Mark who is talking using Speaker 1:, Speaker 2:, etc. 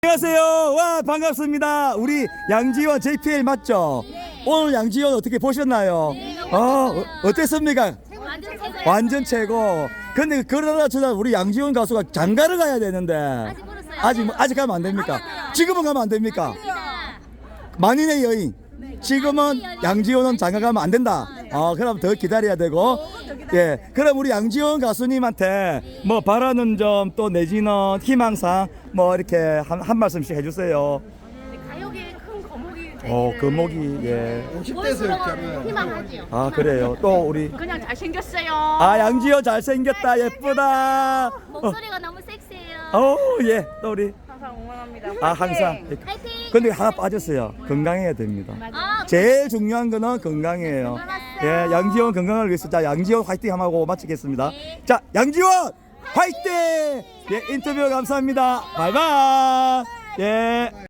Speaker 1: 안녕하세요. 와, 반갑습니다. 우리 양지원 JPL 맞죠? 오늘 양지원 어떻게 보셨나요? 어땠습니까?
Speaker 2: 완전 최고예요.
Speaker 1: 완전 최고. 근데 그러나 저나 우리 양지원 가수가 장가를 가야 되는데
Speaker 2: 아직 멀었어요.
Speaker 1: 아직 가면 안 됩니까? 지금은 가면 안 됩니까?
Speaker 2: 아닙니다.
Speaker 1: 만인의 여인. 지금은 양지원은 장가 가면 안 된다. 그럼 더 기다려야 되고. 예. 그럼 우리 양지원 가수님한테 뭐 바라는 점 또 내지는 희망사항 뭐 이렇게 한 말씀씩 해주세요.
Speaker 2: 가요계의 큰 거목이
Speaker 1: 금목이 예.
Speaker 3: 50대에서 이렇게
Speaker 2: 희망하지요.
Speaker 1: 그래요. 또 우리
Speaker 2: 그냥 잘생겼어요.
Speaker 1: 양지원 잘생겼다 예쁘다.
Speaker 2: 목소리가 너무 섹시해요.
Speaker 1: 예. 또 우리
Speaker 2: 항상 응원합니다.
Speaker 1: 항상.
Speaker 2: 파이팅.
Speaker 1: 근데 하나 빠졌어요. 건강해야 됩니다.
Speaker 2: 아,
Speaker 1: 제일 중요한 거는 건강이에요. 예, 양지원 건강을 위해서 자 양지원 화이팅 하고 마치겠습니다. 자 양지원 화이팅! 예, 인터뷰 감사합니다. 바이바이. 예.